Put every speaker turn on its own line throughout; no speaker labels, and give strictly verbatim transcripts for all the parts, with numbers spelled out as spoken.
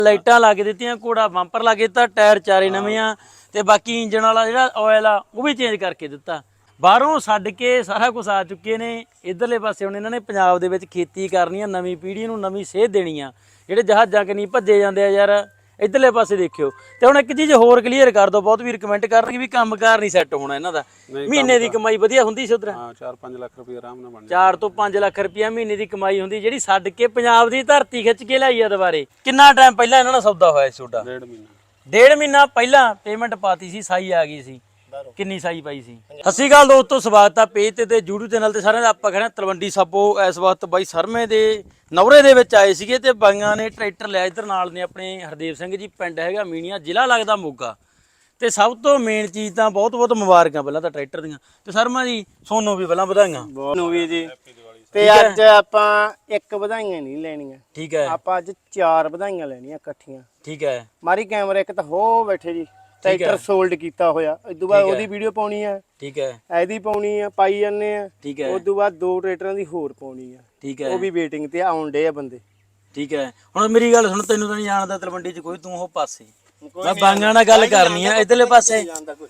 ਲਾਈਟਾਂ ਲਾ ਕੇ ਦਿੱਤੀਆਂ, ਘੋੜਾ ਬੰਪਰ ਲਾ ਕੇ ਦਿੱਤਾ, ਟਾਇਰ ਚਾਰੇ ਨਵੇਂ ਆ ਤੇ ਬਾਕੀ ਇੰਜਣ ਵਾਲਾ ਜਿਹੜਾ ਆਇਲ ਆ ਉਹ ਵੀ ਚੇਂਜ ਕਰਕੇ ਦਿੱਤਾ। ਬਾਹਰੋਂ ਛੱਡ ਕੇ ਸਾਰਾ ਕੁਝ ਆ ਚੁੱਕੇ ਨੇ। ਇਧਰਲੇ ਪਾਸੇ ਹੁਣ ਇਹਨਾਂ ਨੇ ਪੰਜਾਬ ਦੇ ਵਿੱਚ ਖੇਤੀ ਕਰਨੀ ਆ, ਨਵੀਂ ਪੀੜ੍ਹੀ ਨੂੰ ਨਵੀਂ ਸੇਧ ਦੇਣੀ ਆ। ਜਿਹੜੇ ਜਹਾਜ਼ਾਂ ਕਿ ਨਹੀਂ ਭੱਜੇ ਜਾਂਦੇ ਆ ਯਾਰ, ਇਧਰਲੇ ਪਾਸੇ ਦੇਖਿਓ। ਤੇ ਹੁਣ ਇੱਕ ਚੀਜ਼ ਹੋਰ ਕਲੀਅਰ ਕਰ ਦੋ, ਬਹੁਤ ਵੀਰ ਕਮੈਂਟ ਕਰਨਗੇ ਵੀ ਕੰਮਕਾਰ ਨਹੀਂ ਸੈੱਟ ਹੋਣਾ ਇਹਨਾਂ ਦਾ। ਮਹੀਨੇ ਦੀ ਕਮਾਈ ਵਧੀਆ ਹੁੰਦੀ ਸੀ ਉਧਰ?
ਹਾਂ, ਚਾਰ ਪੰਜ ਲੱਖ ਰੁਪਏ ਆਰਾਮ ਨਾਲ ਬਣ
ਚਾਰ ਤੋਂ ਪੰਜ ਲੱਖ ਰੁਪਇਆ ਮਹੀਨੇ ਦੀ ਕਮਾਈ ਹੁੰਦੀ, ਜਿਹੜੀ ਛੱਡ ਕੇ ਪੰਜਾਬ ਦੀ ਧਰਤੀ ਖਿੱਚ ਕੇ ਲਿਆਈ ਆ ਦੁਬਾਰੇ। ਕਿੰਨਾ ਟਾਈਮ ਪਹਿਲਾਂ ਇਹਨਾਂ ਨਾਲ ਸੌਦਾ ਹੋਇਆ ਸੀ ਤੁਹਾਡਾ?
ਡੇਢ ਮਹੀਨਾ
ਡੇਢ ਮਹੀਨਾ ਪਹਿਲਾਂ ਪੇਮੈਂਟ ਪਾਤੀ ਸੀ, ਸਾਈ ਆ ਗਈ ਸੀ। ਕਿੰਨੀ ਸਾਈ ਪਾਈ ਸੀ? ਸਤਿ ਸ਼੍ਰੀ ਅਕਾਲ ਦੋਸਤੋ, ਸਵਾਗਤ ਆ ਪੇਜ ਤੇ ਤੇ YouTube ਚੈਨਲ ਤੇ ਸਾਰਿਆਂ ਦਾ। ਆਪਾਂ ਖੜੇ ਤਲਵੰਡੀ ਸਾਬੋ ਇਸ ਵਕਤ ਬਾਈ ਸਰਮੇ ਦੇ ਨਵਰੇ ਦੇ ਵਿੱਚ ਆਏ ਸੀਗੇ ਤੇ ਬਾਈਆਂ ਨੇ ਟਰੈਕਟਰ ਲਿਆ। ਇੱਧਰ ਨਾਲ ਨੇ ਆਪਣੇ ਹਰਦੇਵ ਸਿੰਘ ਜੀ, ਪਿੰਡ ਹੈਗਾ ਮੀਣੀਆਂ, ਜ਼ਿਲ੍ਹਾ ਲੱਗਦਾ ਮੋਗਾ। ਤੇ ਸਭ ਤੋਂ ਮੇਨ ਚੀਜ਼ ਤਾਂ ਬਹੁਤ ਬਹੁਤ ਮੁਬਾਰਕਾਂ ਪਹਿਲਾਂ ਤਾਂ ਟਰੈਕਟਰ ਦੀਆਂ, ਤੇ ਸ਼ਰਮਾ ਜੀ ਸੋਨੂੰ ਵੀ ਪਹਿਲਾਂ ਵਧਾਈਆਂ।
ਨੂੰ ਵੀ ਜੀ। ਤੇ ਅੱਜ ਆਪਾਂ ਇੱਕ ਵਧਾਈਆਂ ਨਹੀਂ ਲੈਣੀਆਂ,
ਠੀਕ ਹੈ?
ਆਪਾਂ ਅੱਜ ਚਾਰ ਵਧਾਈਆਂ ਲੈਣੀਆਂ ਇਕੱਠੀਆਂ।
ਠੀਕ ਹੈ।
ਮਾਰੀ ਕੈਮਰਾ ਇੱਕ ਤਾਂ ਹੋ ਬੈਠੇ ਜੀ, ਟਰੈਕਟਰ ਸੋਲਡ ਕੀਤਾ ਹੋਇਆ। ਉਸ ਤੋਂ ਬਾਅਦ ਉਹਦੀ ਵੀਡੀਓ ਪਾਉਣੀ ਆ,
ਠੀਕ ਹੈ,
ਇਹਦੀ ਪਾਉਣੀ ਆ, ਪਾਈ ਜਾਂਦੇ ਆ।
ਠੀਕ ਹੈ।
ਉਸ ਤੋਂ ਬਾਅਦ ਦੋ ਟਰੈਕਟਰਾਂ ਦੀ ਹੋਰ ਪਾਉਣੀ ਆ,
ਠੀਕ ਹੈ,
ਉਹ ਵੀ ਵੇਟਿੰਗ ਤੇ ਆਉਣ ਡੇ ਆ ਬੰਦੇ।
ਠੀਕ ਹੈ। ਹੁਣ ਮੇਰੀ ਗੱਲ ਸੁਣ, ਤੈਨੂੰ ਤਾਂ ਨਹੀਂ ਜਾਣਦਾ ਤਲਵੰਡੀ ਚ ਕੋਈ, ਤੂੰ ਉਹ ਪਾਸੇ, ਮੈਂ ਬਾਈਆਂ ਨਾਲ ਗੱਲ ਕਰਨੀ ਆ ਇਧਰਲੇ ਪਾਸੇ।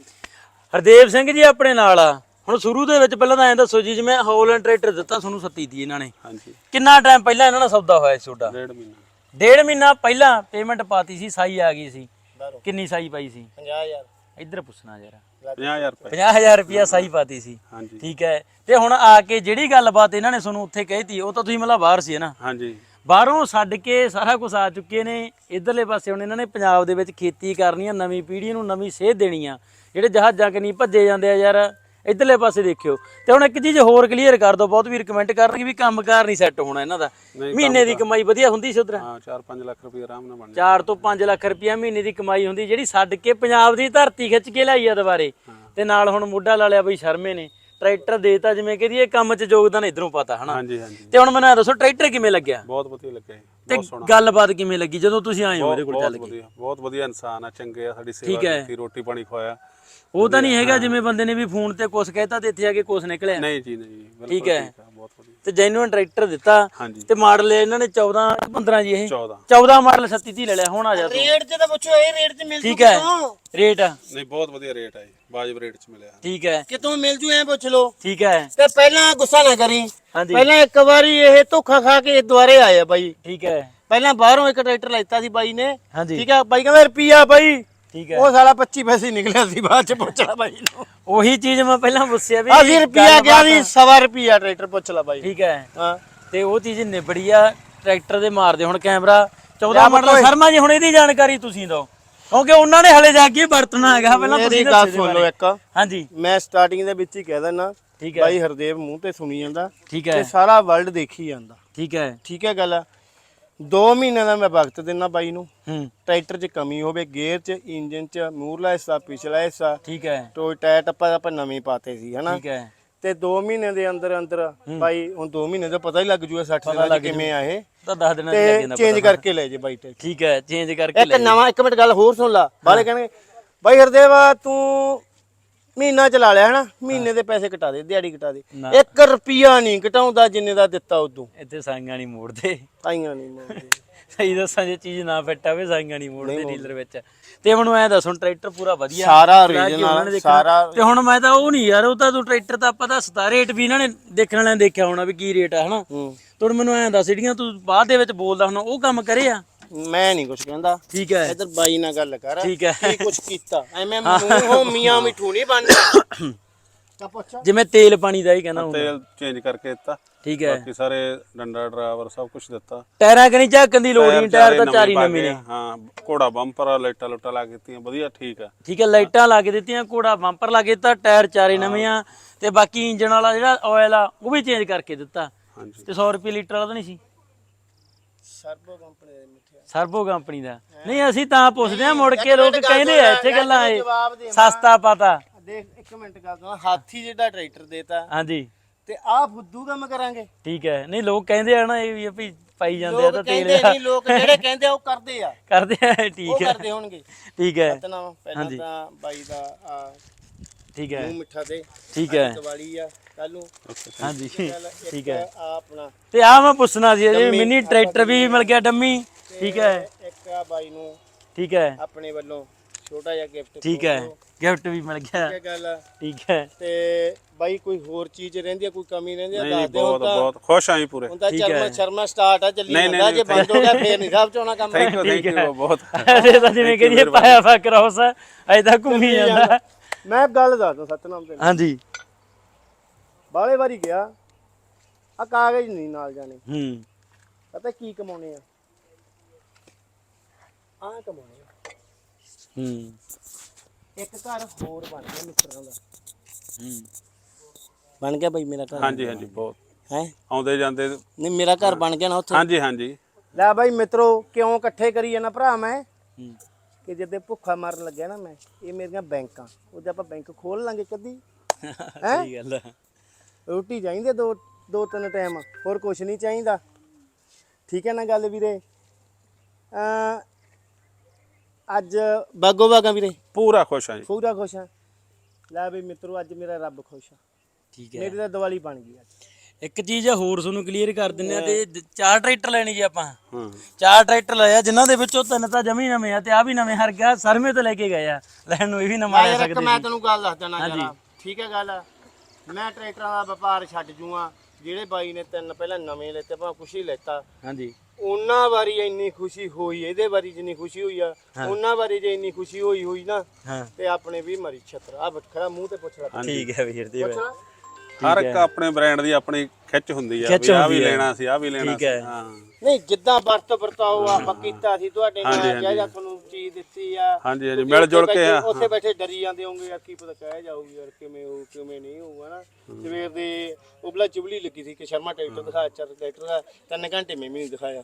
ਹਰਦੇਵ ਸਿੰਘ ਜੀ ਆਪਣੇ ਨਾਲ ਆ। ਹੁਣ ਸ਼ੁਰੂ ਦੇ ਵਿੱਚ ਪਹਿਲਾਂ ਤਾਂ ਐਂ ਦੱਸੋ ਜੀ, ਜਿਵੇਂ ਹੋਲੈਂਡ ਟਰੈਕਟਰ ਦਿੱਤਾ ਤੁਹਾਨੂੰ ਸੱਤੀ ਦੀ ਇਹਨਾਂ ਨੇ,
ਹਾਂਜੀ।
ਕਿੰਨਾ ਟਾਈਮ ਪਹਿਲਾਂ ਇਹਨਾਂ ਨਾਲ ਸੌਦਾ ਹੋਇਆ ਸੀ ਤੁਹਾਡਾ?
ਡੇਢ ਮਹੀਨਾ।
ਡੇਢ ਮਹੀਨਾ ਪਹਿਲਾਂ ਪੇਮੈਂਟ ਪਾਤੀ ਸੀ, ਸਾਈ ਆ ਗਈ ਸੀ। ਕਿੰਨੀ ਸਾਈ ਪਾਈ ਸੀ?
ਪੰਜਾਹ ਹਜ਼ਾਰ।
ਇੱਧਰ ਪੁੱਛਣਾ ਯਾਰ।
ਪੰਜਾਹ ਹਜ਼ਾਰ ਰੁਪਏ।
ਪੰਜਾਹ ਹਜ਼ਾਰ ਰੁਪਇਆ ਸਾਈ ਪਾਤੀ ਸੀ,
ਹਾਂਜੀ।
ਠੀਕ ਹੈ। ਤੇ ਹੁਣ ਆ ਕੇ ਜਿਹੜੀ ਗੱਲਬਾਤ ਇਹਨਾਂ ਨੇ ਤੁਹਾਨੂੰ ਉੱਥੇ ਕਹੀਤੀ, ਉਹ ਤਾਂ ਤੁਸੀਂ ਮਤਲਬ ਬਾਹਰ ਸੀ ਨਾ?
ਹਾਂਜੀ।
ਬਾਹਰੋਂ ਛੱਡ ਕੇ ਸਾਰਾ ਕੁਝ ਆ ਚੁੱਕੇ ਨੇ। ਇਧਰਲੇ ਪਾਸੇ ਹੁਣ ਇਹਨਾਂ ਨੇ ਪੰਜਾਬ ਦੇ ਵਿੱਚ ਖੇਤੀ ਕਰਨੀ ਆ, ਨਵੀਂ ਪੀੜ੍ਹੀ ਨੂੰ ਨਵੀਂ ਸੇਧ ਦੇਣੀ ਆ। ਜਿਹੜੇ ਜਹਾਜ਼ਾਂ ਕਿ ਨਹੀਂ ਭੱਜੇ ਜਾਂਦੇ ਆ ਯਾਰ, ਇਧਰਲੇ ਪਾਸੇ ਦੇਖਿਓ। ਤੇ ਹੁਣ ਇੱਕ ਚੀਜ਼ ਹੋਰ ਕਲੀਅਰ ਕਰ ਦੋ, ਬਹੁਤ ਵੀਰ ਕਮੈਂਟ ਕਰਨਗੇ ਵੀ ਕੰਮਕਾਰ ਨਹੀਂ ਸੈੱਟ ਹੋਣਾ ਇਹਨਾਂ ਦਾ। ਮਹੀਨੇ ਦੀ ਕਮਾਈ ਵਧੀਆ ਹੁੰਦੀ ਸੀ ਉਧਰ?
ਹਾਂ, ਚਾਰ ਪੰਜ ਲੱਖ ਰੁਪਏ ਆਰਾਮ ਨਾਲ ਬਣ
ਚਾਰ ਤੋਂ ਪੰਜ ਲੱਖ ਰੁਪਇਆ ਮਹੀਨੇ ਦੀ ਕਮਾਈ ਹੁੰਦੀ, ਜਿਹੜੀ ਛੱਡ ਕੇ ਪੰਜਾਬ ਦੀ ਧਰਤੀ ਖਿੱਚ ਕੇ ਲਿਆਈ ਆ ਦੁਬਾਰੇ। ਤੇ ਨਾਲ ਹੁਣ ਮੁੱਢਾ ਲਾ ਲਿਆ ਬਈ ਸ਼ਰਮੇ ਨੇ, ਟਰੈਕਟਰ ਦੇਤਾ। ਜਿਵੇਂ ਕਿ ਇਹ ਕੰਮ 'ਚ ਯੋਗਦਾਨ ਇਧਰੋਂ ਪਤਾ ਹਨਾ?
ਹਾਂਜੀ ਹਾਂਜੀ।
ਤੇ ਹੁਣ ਮੈਨੂੰ ਇਹ ਦੱਸੋ, ਟਰੈਕਟਰ ਕਿਵੇਂ ਲੱਗਿਆ?
ਬਹੁਤ ਵਧੀਆ ਲੱਗਿਆ ਜੀ,
ਤੇ
ਬਹੁਤ ਸੋਹਣਾ।
ਗੱਲਬਾਤ ਕਿਵੇਂ ਲੱਗੀ ਜਦੋਂ ਤੁਸੀਂ ਆਏ ਹੋ ਇਹਦੇ ਕੋਲ ਚੱਲ ਕੇ?
ਬਹੁਤ ਵਧੀਆ ਇਨਸਾਨ ਆ, ਚੰਗੇ ਆ, ਸਾਡੀ ਸੇਵਾ ਕੀਤੀ, ਰੋਟੀ ਪਾਣੀ ਖਵਾਇਆ।
ਉਹ ਤਾਂ ਨਹੀਂ ਹੈਗਾ ਜਿਵੇਂ ਬੰਦੇ ਨੇ ਵੀ ਫੋਨ ਤੇ ਕੁਛ ਕਹਿਤਾ ਤੇ ਇੱਥੇ ਆ ਕੇ ਕੁਛ ਨਿਕਲਿਆ?
ਨਹੀਂ ਜੀ, ਨਹੀਂ, ਬਿਲਕੁਲ
ਠੀਕ ਹੈ।
ਬਹੁਤ ਵਧੀਆ।
ਤੇ ਜੈਨੂਇਨ ਟਰੈਕਟਰ ਦਿੱਤਾ।
ਹਾਂਜੀ।
ਤੇ ਮਾਡਲ ਇਹਨਾਂ ਨੇ ਚੌਦਾਂ ਪੰਦਰਾਂ ਜੀ, ਇਹ
ਚੌਦਾਂ
ਚੌਦਾਂ ਮਾਡਲ ਛੱਤੀ ਦੀ ਲੈ ਲਿਆ। ਹੁਣ ਆ ਜਾ ਤੂੰ
ਰੇਟ ਤੇ ਤਾਂ ਪੁੱਛੋ, ਇਹ ਰੇਟ ਤੇ ਮਿਲ ਜੂ
ਠੀਕ ਹੈ। ਰੇਟ
ਨਹੀਂ, ਬਹੁਤ ਵਧੀਆ ਰੇਟ ਆ ਜੀ, ਵਾਜਬ ਰੇਟ 'ਚ ਮਿਲਿਆ।
ਠੀਕ ਹੈ,
ਕਿਤੋਂ ਮਿਲ ਜੂ ਐ ਪੁੱਛ ਲੋ।
ਠੀਕ ਹੈ।
ਤੇ ਪਹਿਲਾਂ ਗੁੱਸਾ ਨਾ ਕਰੀ,
ਹਾਂਜੀ,
ਪਹਿਲਾਂ ਇੱਕ ਵਾਰੀ ਇਹ ਧੋਖਾ ਖਾ ਕੇ ਦੁਆਰੇ ਆਇਆ ਬਾਈ।
ਠੀਕ ਹੈ।
ਪਹਿਲਾਂ ਬਾਹਰੋਂ ਇੱਕ ਟਰੈਕਟਰ ਲੈਤਾ ਸੀ ਬਾਈ ਨੇ,
ਹਾਂਜੀ,
ਠੀਕ ਹੈ। ਬਾਈ ਕਹਿੰਦਾ ਰੁਪਿਆ ਬਾਈ,
ਠੀਕ ਹੈ।
ਉਹ ਸਾਲਾ ਪੱਚੀ ਪੈਸੇ ਨਿਕਲਿਆ ਸੀ, ਬਾਅਦ ਚ ਪੁੱਛ ਲਾ ਬਾਈ ਨੂੰ।
ਉਹੀ ਚੀਜ਼ ਮੈਂ ਪਹਿਲਾਂ ਪੁੱਛਿਆ ਵੀ
ਅਸੀਂ ਰੁਪਿਆ ਗਿਆ ਸੀ, ਸਵਾ ਰੁਪਿਆ ਟਰੈਕਟਰ ਪੁੱਛ ਲਾ ਬਾਈ।
ਠੀਕ ਹੈ।
ਹਾਂ,
ਤੇ ਉਹ ਚੀਜ਼ ਨਿਬੜੀ ਆ। ਟਰੈਕਟਰ ਦੇ ਮਾਰਦੇ ਹੁਣ ਕੈਮਰਾ ਚੌਦਾਂ ਮਾਡਲ। ਸ਼ਰਮਾ ਜੀ ਹੁਣ ਇਹਦੀ ਜਾਣਕਾਰੀ ਤੁਸੀਂ ਦਿਓ, ਕਿਉਂਕਿ ਉਹਨਾਂ ਨੇ ਹਲੇ ਜਾ ਕੇ ਵਰਤਣਾ ਹੈਗਾ। ਪਹਿਲਾਂ
ਮੇਰੀ ਗੱਲ ਸੁਣ ਲਓ ਇੱਕ।
ਹਾਂਜੀ,
ਮੈਂ ਸਟਾਰਟਿੰਗ ਦੇ ਵਿੱਚ ਹੀ ਕਹਿ ਦਿੰਦਾ,
ਠੀਕ ਹੈ।
ਬਾਈ ਹਰਦੇਵ ਮੂੰਹ ਤੇ ਸੁਣੀ ਜਾਂਦਾ,
ਠੀਕ
ਤੇ
ਹੈ,
ਸਾਰਾ ਵਰਲਡ ਦੇਖੀ ਜਾਂਦਾ।
ਠੀਕ ਹੈ।
ਠੀਕ ਹੈ ਗੱਲ। ਦੋ ਮਹੀਨੇ ਦਾ ਮੈਂ ਵਕਤ ਦਿੰਦਾ ਬਾਈ ਨੂੰ।
ਹੂੰ,
ਟਰੈਕਟਰ 'ਚ ਕਮੀ ਹੋਵੇ, ਗੇਅਰ 'ਚ, ਇੰਜਨ 'ਚ, ਮੂਰਲਾ ਹਿੱਸਾ, ਪਿਛਲਾ ਹਿੱਸਾ,
ਠੀਕ ਹੈ,
ਟੋਏ ਟਾਇਰ ਟੱਪਾ ਆਪਾਂ ਨਵੇਂ ਪਾਤੇ ਸੀ ਹਨਾ।
ਠੀਕ ਹੈ।
ਤੇ ਦੋ ਮਹੀਨੇ ਦੇ ਅੰਦਰ ਅੰਦਰ ਬਾਈ, ਹੁਣ ਦੋ ਮਹੀਨੇ ਦਾ ਪਤਾ ਹੀ ਲੱਗ ਜੂਗਾ ਸੱਠ ਦਿਨਾਂ ਚ ਕਿਵੇਂ ਆ ਇਹ,
ਤਾਂ ਦਸ ਦਿਨਾਂ ਚ ਲੱਗ
ਤੇ
ਜਾਂਦਾ
ਚੇਂਜ ਕਰਕੇ ਲੈ ਜੇ ਬਾਈ ਟਰੈਕਟਰ।
ਠੀਕ ਹੈ, ਚੇਂਜ ਕਰਕੇ
ਇੱਕ ਨਵਾਂ, ਇੱਕ ਮਿੰਟ ਗੱਲ ਹੋਰ ਸੁਣ ਲਾ। ਬਾਲੇ ਕਹਿੰਦੇ ਬਾਈ ਹਰਦੇਵ ਤੂੰ ਮਹੀਨਾ ਚਲਾ ਲਿਆ ਹਨਾ, ਮਹੀਨੇ ਦੇ ਪੈਸੇ ਕਟਾ ਦੇ, ਦਿਹਾੜੀ ਕਟਾ ਦੇ। ਇੱਕ ਰੁਪਿਆ ਨਹੀਂ ਘਟਾਉਂਦਾ ਜਿੰਨੇ ਦਾ ਦਿੱਤਾ ਉਦੋਂ।
ਇੱਥੇ ਸਾਈਆਂ ਨਹੀਂ ਮੋੜਦੇ,
ਆਈਆਂ ਨਹੀਂ ਮੋੜਦੇ।
ਸਹੀ ਦੱਸਾਂ, ਜੇ ਚੀਜ਼ ਨਾ ਫਿੱਟ ਆਵੇ ਸਾਈਆਂ ਨਹੀਂ ਮੋੜਦੇ ਡੀਲਰ ਵਿੱਚ। ਤੇ ਮੈਨੂੰ ਐ ਦੱਸੋ, ਟਰੈਕਟਰ ਪੂਰਾ ਵਧੀਆ
ਸਾਰਾ ਓਰੀਜਨਲ ਸਾਰਾ।
ਤੇ ਹੁਣ ਮੈਂ ਤਾਂ ਉਹ ਨਹੀਂ ਯਾਰ, ਉਹ ਤਾਂ ਤੂੰ ਟਰੈਕਟਰ ਤਾਂ ਆਪਾਂ ਦੱਸਦਾ, ਰੇਟ ਵੀ ਇਹਨਾਂ ਨੇ ਦੇਖਣ ਵਾਲਿਆਂ ਨੇ ਦੇਖਿਆ ਹੋਣਾ ਵੀ ਕੀ ਰੇਟ ਆ ਹਨਾ। ਤੂੰ ਮੈਨੂੰ ਐਂ ਦੱਸ, ਜਿਹੜੀਆਂ ਤੂੰ ਬਾਅਦ ਦੇ ਵਿੱਚ ਬੋਲਦਾ ਹੁਣ ਉਹ ਕੰਮ ਕਰੇ ਆ?
ਮੈਂ ਨਹੀਂ ਕੁਝ ਕਹਿੰਦਾ,
ਠੀਕ ਹੈ।
ਇਧਰ ਬਾਈ ਨਾਲ ਗੱਲ ਕਰ,
ਠੀਕ ਹੈ।
ਕੀ ਕੁਝ ਕੀਤਾ ਐਵੇਂ ਮੂੰਹੋਂ ਮੀਆਂ ਮਿੱਠੂ ਨਹੀਂ ਬਣਨਾ।
ਜਿਵੇਂ ਤੇਲ ਪਾਣੀ ਦਾ ਹੀ ਕਹਿੰਦਾ ਹੁੰਦਾ,
ਤੇਲ ਚੇਂਜ ਕਰਕੇ ਦਿੱਤਾ।
ਠੀਕ ਹੈ।
ਬਾਕੀ ਸਾਰੇ ਡੰਡਾ ਡਰਾਈਵਰ ਸਭ ਕੁਝ ਦਿੱਤਾ।
ਟਾਇਰਾਂ ਕਨੀ ਝਾਕਣ ਦੀ ਲੋੜ ਨਹੀਂ, ਟਾਇਰ ਤਾਂ ਚਾਰੀ ਨਵੇਂ ਨੇ।
ਹਾਂ, ਘੋੜਾ ਬੰਪਰ, ਲਾਈਟਾਂ ਲੁੱਟਾਂ ਲਾ ਕੇ ਦਿੱਤੀਆਂ, ਵਧੀਆ ਠੀਕ ਆ।
ਠੀਕ ਹੈ, ਲਾਈਟਾਂ ਲਾ ਕੇ ਦਿੱਤੀਆਂ, ਘੋੜਾ ਬੰਪਰ ਲਾ ਕੇ ਦਿੱਤਾ, ਟਾਇਰ ਚਾਰੇ ਨਵੇਂ ਆ। ਤੇ ਬਾਕੀ ਇੰਜਣ ਵਾਲਾ ਜਿਹੜਾ ਆਇਲ ਆ ਉਹ ਵੀ ਚੇਂਜ ਕਰਕੇ ਦਿੱਤਾ।
ਹਾਂਜੀ।
ਤੇ ਸੌ ਰੁਪਏ ਲੀਟਰ ਵਾਲਾ ਤਾਂ ਨਹੀਂ ਸੀ?
ਸਰਬੋ ਕੰਪਨੀ ਦਾ ਮਿੱਠਿਆ,
ਸਰਬੋ ਕੰਪਨੀ ਦਾ ਨਹੀਂ। ਅਸੀਂ ਤਾਂ ਪੁੱਛਦੇ ਆ, ਮੁੜ ਕੇ ਲੋਕ ਕਹਿੰਦੇ ਆ ਇੱਥੇ ਗੱਲਾਂ ਇਹ ਸਸਤਾ ਪਤਾ।
ਦੇਖ ਇੱਕ ਮਿੰਟ ਗੱਲ ਸੁਣ, ਹਾਥੀ ਜਿਹੜਾ ਟਰੈਕਟਰ ਦੇਤਾ,
ਹਾਂਜੀ,
ਤੇ ਆਹ ਫੁੱਦੂ ਕੰਮ ਕਰਾਂਗੇ।
ਠੀਕ ਹੈ। ਨਹੀਂ ਲੋਕ ਕਹਿੰਦੇ ਆ ਨਾ ਇਹ ਵੀ ਵੀ ਪਾਈ ਜਾਂਦੇ ਆ ਤਾਂ ਤੇਲ
ਕਹਿੰਦੇ ਨਹੀਂ ਲੋਕ, ਜਿਹੜੇ ਕਹਿੰਦੇ ਆ ਉਹ ਕਰਦੇ ਆ,
ਕਰਦੇ ਆ।
ਉਹ
ਠੀਕ ਹੈ,
ਕਰਦੇ ਹੋਣਗੇ।
ਠੀਕ ਹੈ।
ਪਹਿਲਾਂ ਤਾਂ ਬਾਈ ਦਾ ਆ
ਠੀਕ ਹੈ,
ਮੂੰਹ ਮਿੱਠਾ ਤੇ
ਠੀਕ ਹੈ।
ਦੀਵਾਲੀ ਆ, ਕੱਲ ਨੂੰ
ਹਾਂਜੀ ਠੀਕ ਹੈ।
ਆ ਆਪਣਾ
ਤੇ ਆ ਮੈਂ ਪੁੱਛਣਾ ਸੀ ਜੀ ਮਿੰਨੀ ਟਰੈਕਟਰ ਵੀ ਮਿਲ ਗਿਆ ਡੰਮੀ ਠੀਕ ਹੈ।
ਇੱਕ ਆ ਬਾਈ ਨੂੰ
ਠੀਕ ਹੈ
ਆਪਣੇ ਵੱਲੋਂ ਛੋਟਾ ਜਿਹਾ ਗਿਫਟ
ਠੀਕ ਹੈ ਗਿਫਟ ਵੀ ਮਿਲ ਗਿਆ
ਠੀਕ ਹੈ ਗੱਲ
ਠੀਕ ਹੈ।
ਤੇ ਬਾਈ ਕੋਈ ਹੋਰ ਚੀਜ਼ ਰਹਿੰਦੀ ਆ ਕੋਈ ਕਮੀ ਰਹਿੰਦੀ ਆ
ਨਹੀਂ
ਦੱਸ ਦਿਓ
ਬਹੁਤ ਬਹੁਤ ਖੁਸ਼ ਆਂ ਜੀ ਪੂਰੇ
ਹੁਣ ਤਾਂ ਚਰਮਾ ਸ਼ਰਮਾ ਸਟਾਰਟ ਆ ਚੱਲੀ
ਨਹੀਂ,
ਜਾਂਦਾ
ਨਹੀਂ,
ਜੇ ਬੰਦ ਹੋ ਗਿਆ ਫੇਰ ਨਹੀਂ ਸਾਹਿਬ ਚੋਣਾ ਕੰਮ
ਥੈਂਕ ਯੂ ਥੈਂਕ ਯੂ ਬਹੁਤ
ਇਹ ਤਾਂ ਜਿਵੇਂ ਕਹੀਏ ਪਾਇਆ ਵਾ ਕ੍ਰੋਸ ਅਜੇ ਤਾਂ ਘੁੰਮੀ ਜਾਂਦਾ।
ਮੈਂ ਗੱਲ ਦੱਸਦਾ ਸਤਨਾਮ ਤੇ
ਹਾਂਜੀ
ਬਾਲੇ ਵਾਰੀ ਗਿਆ ਆ ਕਾਗਜ਼ ਨਹੀਂ ਨਾਲ ਜਾਣੇ
ਹੂੰ
ਪਤਾ ਕੀ ਕਮਾਉਣੇ ਆ ਆ ਕਮਾਉਣੇ ਆ
ਹੂੰ
ਇੱਕ ਘਰ ਹੋਰ ਬਣ ਗਿਆ ਮਿੱਤਰਾਂ ਦਾ
ਹੂੰ
ਬਣ ਗਿਆ ਬਾਈ ਮੇਰਾ ਘਰ
ਹਾਂਜੀ ਹਾਂਜੀ ਬਹੁਤ
ਹੈ
ਆਉਂਦੇ ਜਾਂਦੇ
ਨਹੀਂ ਮੇਰਾ ਘਰ ਬਣ ਗਿਆ ਨਾ ਉੱਥੇ
ਹਾਂਜੀ ਹਾਂਜੀ
ਲੈ ਬਾਈ ਮਿੱਤਰੋ ਕਿਉਂ ਇਕੱਠੇ ਕਰੀ ਜਾਣਾ ਭਰਾ ਮੈਂ
ਹੂੰ
ਕਿ ਜਦੋਂ ਭੁੱਖਾ ਮਰਨ ਲੱਗਿਆ ਨਾ ਮੈਂ ਇਹ ਮੇਰੀਆਂ ਬੈਂਕਾਂ ਉਹਦੇ ਆਪਾਂ ਬੈਂਕ ਖੋਲ ਲਾਂਗੇ ਕਦੀ
ਸਹੀ ਗੱਲ ਹੈ।
ਰੋਟੀ ਚਾਹੀਦੀ ਦੋ ਦੋ ਤਿੰਨ ਟਾਈਮ ਹੋਰ ਕੁਝ ਨਹੀਂ ਚਾਹੀਦਾ ਠੀਕ ਹੈ ਨਾ ਗੱਲ ਵੀਰੇ ਅ ਅੱਜ ਬਾਗੋ ਬਾਗਾ ਵੀਰੇ
ਪੂਰਾ ਖੁਸ਼ ਆਂ ਜੀ
ਪੂਰਾ ਖੁਸ਼ ਹਾਂ ਲੈ ਬਈ ਮਿੱਤਰੋ ਅੱਜ ਮੇਰਾ ਰੱਬ ਖੁਸ਼ ਆ
ਠੀਕ ਹੈ।
ਮੇਰੀ ਤਾਂ ਦੀਵਾਲੀ ਬਣ ਗਈ ਅੱਜ
ਇੱਕ ਚੀਜ਼ ਹੋਰ ਤੁਹਾਨੂੰ ਕਲੀਅਰ ਕਰ ਦਿੰਨੇ ਆ ਤੇ ਦ- ਚਾਰ ਟਰੈਕਟਰ ਲੈਣੀ ਜੀ ਆਪਾਂ
ਹਾਂ
ਚਾਰ ਟਰੈਕਟਰ ਲਏ ਆ ਜਿਨ੍ਹਾਂ ਦੇ ਵਿੱਚੋਂ ਤਿੰਨ ਤਾਂ ਜਮੀ ਨਵੇਂ ਆ ਤੇ ਆ ਵੀ ਨਵੇਂ ਹਰ ਗਿਆ ਸਰਮੇ ਤੋਂ ਲੈ ਕੇ ਗਏ ਆ ਲੈਣ ਨੂੰ ਇਹ ਵੀ ਨਵਾਂ ਲੈ
ਯਾਰ ਇੱਕ
ਸਕਦੇ
ਮੈਂ
ਸੀ।
ਤੈਨੂੰ ਗੱਲ ਦੱਸ ਦੇਣਾ ਜਰਾ ਠੀਕ ਹੈ ਗੱਲ ਮੈਂ ਟਰੈਕਟਰਾਂ ਦਾ ਵਪਾਰ ਛੱਡ ਜੂਆਂ ਜਿਹੜੇ ਬਾਈ ਨੇ ਤਿੰਨ ਪਹਿਲਾਂ ਨਵੇਂ ਲੈਤੇ ਭਾਵੇਂ ਕੁਛ ਹੀ ਲੈਤਾ
ਹਾਂਜੀ
ਉਹਨਾਂ ਵਾਰੀ ਇੰਨੀ ਖੁਸ਼ੀ ਹੋਈ ਇਹਦੇ ਵਾਰੀ ਜਿੰਨੀ ਖੁਸ਼ੀ ਹੋਈ ਆ ਉਹਨਾਂ ਵਾਰੀ ਜੇ ਇੰਨੀ ਖੁਸ਼ੀ ਹੋਈ ਹੋਈ ਨਾ
ਹਾਂ
ਤੇ ਆਪਣੇ ਵੀ ਮਰੀ ਛਤਰ ਆ ਖੜਾ ਮੂੰਹ ਤੇ ਪੁੱਛ ਲੈ
ਠੀਕ ਹੈ ਵੀਰ ਜੀ
ਪੁੱਛ ਲੈ
ਹਰ ਇੱਕ ਆਪਣੇ ਬ੍ਰਾਂਡ ਦੀ ਆਪਣੀ ਖਿੱਚ ਹੁੰਦੀ ਆ
ਖਿੱਚ
ਵੀ ਆ ਵੀ
ਹੁੰਦੀ ਹੈ।
ਲੈਣਾ ਸੀ ਆ ਵੀ ਲੈਣਾ
ਠੀਕ
ਸੀ
ਹੈ।
ਹਾਂ
ਨਹੀਂ ਜਿੱਦਾਂ ਵਰਤ ਵਰਤਾਓ ਆਪਾਂ ਕੀਤਾ ਸੀ ਤੁਹਾਡੇ ਨਾਲ ਕਿਹਾ ਜਾਂ ਤੁਹਾਨੂੰ ਚੀਜ਼ ਦਿੱਤੀ ਆ
ਹਾਂਜੀ ਹਾਂਜੀ ਮਿਲ ਜੁਲ ਕੇ ਆ
ਉੱਥੇ ਬੈਠੇ ਡਰੀ ਜਾਂਦੇ ਹੋਗੇ ਯਾਰ ਕੀ ਪਤਾ ਕਹਿ ਜਾਊਗੀ ਯਾਰ ਕਿਵੇਂ ਹੋਊ ਕਿਵੇਂ ਨਹੀਂ ਹੋਊਗਾ ਨਾ ਸਵੇਰ ਦੇ ਉਬਲਾ ਚੁਬਲੀ ਲੱਗੀ ਸੀ ਕਿ ਸ਼ਰਮਾ ਟਰੈਕਟਰ ਦਿਖਾਇਆ ਚਰ ਟਰੈਕਟਰ ਦਾ ਤਿੰਨ ਘੰਟੇ ਮੈਂ ਵੀ ਨਹੀਂ ਦਿਖਾਇਆ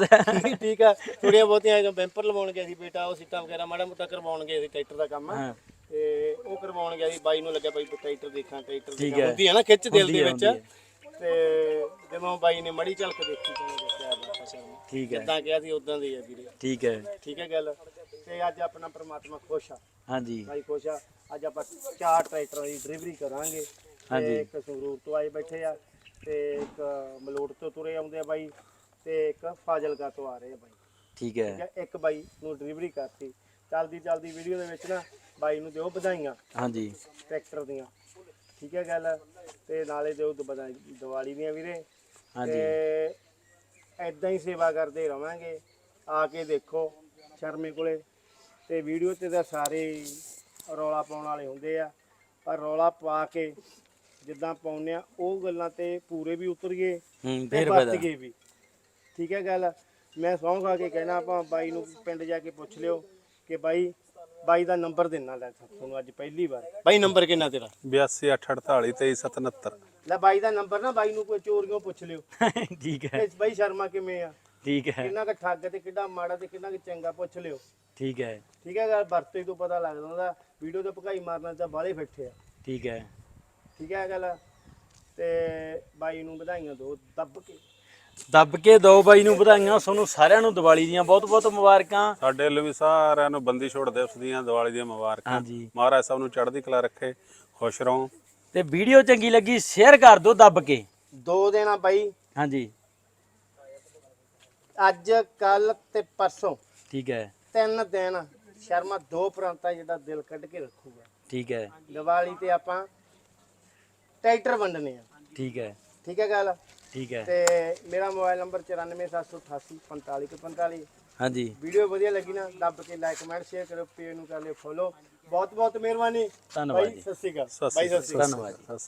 ਠੀਕ ਆ ਥੋੜੀਆਂ ਬਹੁਤੀਆਂ ਜਦੋਂ ਬੈਂਪਰ ਲਵਾਉਣ ਗਿਆ ਸੀ ਬੇਟਾ ਉਹ ਸੀਟਾਂ ਵਗੈਰਾ ਮਾੜਾ ਮੋਟਾ ਕਰਵਾਉਣ ਗਏ ਸੀ ਟਰੈਕਟਰ ਦਾ ਕੰਮ
ਹਾਂ
ਤੇ ਉਹ ਕਰਵਾਉਣ ਗਿਆ ਸੀ ਬਾਈ ਨੂੰ ਲੱਗਿਆ ਬਾਈ ਟਰੈਕਟਰ ਦੇਖਾਂ ਟਰੈਕਟਰ ਦੇਖਾਂ ਹੁੰਦੀ ਹੈ ਨਾ ਖਿੱਚ ਦਿਲ ਦੇ ਵਿੱਚ ਤੇ ਜਦੋਂ ਬਾਈ ਨੇ ਮੜੀ ਝਲਕ ਦੇਖੀ ਤਾਂ ਦੇਖਿਆ ਬਾਬਾ ਸ਼ਰਮਾ
ਠੀਕ ਹੈ
ਜਿੱਦਾਂ ਕਿਹਾ ਸੀ ਉਦਾਂ ਦੀ ਆ ਵੀਰੇ
ਠੀਕ ਹੈ
ਠੀਕ ਹੈ ਗੱਲ ਤੇ ਅੱਜ ਆਪਣਾ ਪ੍ਰਮਾਤਮਾ ਖੁਸ਼ ਆ
ਹਾਂਜੀ
ਬਾਈ ਖੁਸ਼ ਆ ਅੱਜ ਆਪਾਂ ਚਾਰ ਟਰੈਕਟਰਾਂ ਦੀ ਡਿਲੀਵਰੀ ਕਰਾਂਗੇ ਤੇ ਇੱਕ ਸੰਗਰੂਰ ਤੋਂ ਆਏ ਬੈਠੇ ਆ ਤੇ ਇੱਕ ਮਲੋਟ ਤੋਂ ਤੁਰੇ ਆਉਂਦੇ ਆ ਬਾਈ ਤੇ ਇੱਕ ਫਾਜ਼ਿਲਕਾ ਤੋਂ ਆ ਰਹੇ ਆ ਬਾਈ
ਠੀਕ ਹੈ
ਠੀਕ ਹੈ ਇੱਕ ਬਾਈ ਨੂੰ ਡਿਲੀਵਰੀ ਕਰਤੀ ਚੱਲਦੀ ਚੱਲਦੀ ਵੀਡੀਓ ਦੇ ਵਿੱਚ ਨਾ ਬਾਈ ਨੂੰ ਦਿਓ ਵਧਾਈਆਂ
ਹਾਂਜੀ
ਟਰੈਕਟਰ ਦੀਆਂ ਠੀਕ ਹੈ ਗੱਲ ਤੇ ਨਾਲੇ ਦਿਓ ਵਧਾਈ ਦੀਵਾਲੀ ਦੀਆਂ ਵੀਰੇ
ਹਾਂਜੀ
ਤੇ ਐਦਾਂ ਹੀ ਸੇਵਾ ਕਰਦੇ ਰਵਾਂਗੇ ਆ ਕੇ ਦੇਖੋ ਸ਼ਰਮੇ ਕੋਲੇ ਤੇ ਵੀਡੀਓ ਤੇ ਤਾਂ ਸਾਰੇ ਰੌਲਾ ਪਾਉਣ ਵਾਲੇ ਹੁੰਦੇ ਆ ਪਰ ਰੌਲਾ ਪਾ ਕੇ ਜਿੱਦਾਂ ਪਾਉਂਦੇ ਆ ਉਹ ਗੱਲਾਂ ਤੇ ਪੂਰੇ ਵੀ ਉਤਰ ਗਏ
ਹੂੰ
ਤੇ
ਫੇਰ
ਵਰਤ
ਫਾਇਦਾ
ਗਏ ਵੀ ਠੀਕ ਹੈ ਗੱਲ ਮੈਂ ਸਹੁੰ ਖਾ ਕੇ ਕਹਿਣਾ ਆਪਾਂ ਬਾਈ ਨੂੰ ਪਿੰਡ ਜਾ ਕੇ ਪੁੱਛ ਲਿਓ ਕਿ ਬਾਈ ਬਾਈ ਦਾ ਨੰਬਰ ਦੇਣਾ ਲੈ ਤੁਹਾਨੂੰ ਅੱਜ ਪਹਿਲੀ ਵਾਰ ਬਾਈ ਨੰਬਰ ਕਿੰਨਾ ਤੇਰਾ
ਬਿਆਸੀ ਅੱਠ ਅਠਤਾਲੀ ਤੇਈ ਸੱਤ ਉਨੱਤਰ
ਲੈ ਬਾਈ ਦਾ ਨੰਬਰ ਨਾ ਬਾਈ ਨੂੰ ਕੋਈ ਚੋਰੀਆਂ ਪੁੱਛ ਲਿਓ
ਠੀਕ ਹੈ
ਕਿ ਬਾਈ ਸ਼ਰਮਾ ਕਿਵੇਂ ਆ
ਠੀਕ ਹੈ
ਕਿੰਨਾ ਕੁ ਠੱਗ ਤੇ ਕਿੰਨਾ ਮਾੜਾ ਤੇ ਕਿੰਨਾ ਕੁ ਚੰਗਾ ਪੁੱਛ ਲਿਓ
ਠੀਕ ਹੈ
ਠੀਕ ਹੈ ਗੱਲ ਵਰਤੇ ਤੋਂ ਪਤਾ ਲੱਗਦਾ ਹੁੰਦਾ ਵੀਡੀਓ ਤੇ ਭਕਾਈ ਮਾਰਨਾ ਤਾਂ ਬਾਲੇ ਫਿੱਟੇ ਆ
ਠੀਕ ਹੈ
ਠੀਕ ਹੈ ਗੱਲ ਤੇ ਬਾਈ ਨੂੰ ਵਧਾਈਆਂ ਦਿਓ ਦੱਬ ਕੇ
ਦੱਬ ਕੇ ਦੋ ਬਾਈ ਨੂੰ ਵਧਾਈਆਂ ਤੁਹਾਨੂੰ ਸਾਰਿਆਂ ਨੂੰ ਦੀਵਾਲੀ ਦੀਆਂ ਬਹੁਤ ਬਹੁਤ ਮੁਬਾਰਕਾਂ
ਸਾਡੇ ਵੱਲੋਂ ਵੀ ਸਾਰਿਆਂ ਨੂੰ ਬੰਦੀ ਛੋੜ ਦਿਵਸ ਦੀਆਂ ਦੀਵਾਲੀ ਦੀਆਂ ਮੁਬਾਰਕਾਂ
ਹਾਂਜੀ
ਮਹਾਰਾਜ ਸਾਹਿਬ ਨੂੰ ਚੜ੍ਹਦੀ ਕਲਾ ਰੱਖੇ ਖੁਸ਼ ਰਹੋ
ਤੇ ਵੀਡੀਓ ਚੰਗੀ ਲੱਗੀ ਸ਼ੇਅਰ ਕਰ ਦਿਓ ਦੱਬ ਕੇ
ਦੋ ਦਿਨ ਆ ਬਾਈ
ਹਾਂਜੀ
ਅੱਜ ਕੱਲ ਤੇ ਪਰਸੋਂ
ਠੀਕ ਹੈ
ਤਿੰਨ ਦਿਨ ਸ਼ਰਮਾ ਦੋ ਪ੍ਰਾਂਤਾਂ ਜਿਹੜਾ ਦਿਲ ਕੱਢ ਕੇ ਰੱਖੂਗਾ
ਠੀਕ ਹੈ
ਦੀਵਾਲੀ ਤੇ ਆਪਾਂ ਟਰੈਕਟਰ ਵੰਡਨੇ ਆ
ਠੀਕ ਹੈ
ਠੀਕ ਹੈ ਗੱਲ
ਠੀਕ ਹੈ
ਤੇ ਮੇਰਾ ਮੋਬਾਈਲ ਨੰਬਰ ਚੁਰਾਨਵੇਂ ਸੱਤ ਸੌ ਅਠਾਸੀ ਪੰਤਾਲੀ ਇੱਕ ਪੰਤਾਲੀ
ਹਾਂਜੀ
ਵੀਡੀਓ ਵਧੀਆ ਲੱਗੀ ਨਾ ਦੱਬ ਕੇ ਲਾਈਕ ਕਮੈਂਟ ਸ਼ੇਅਰ ਕਰੋ ਪੇਜ ਨੂੰ ਕਰ ਲਿਓ ਫੋਲੋ ਬਹੁਤ ਬਹੁਤ ਮਿਹਰਬਾਨੀ
ਧੰਨਵਾਦ
ਬਾਈ
ਜੀ
ਸਤਿ ਸ਼੍ਰੀ ਅਕਾਲ
ਸਤਿ
ਬਾਈ
ਸ਼੍ਰੀ
ਸਤਿ ਸ਼੍ਰੀ ਅਕਾਲ
ਧੰਨਵਾਦ ਜੀ
ਅਕਾਲ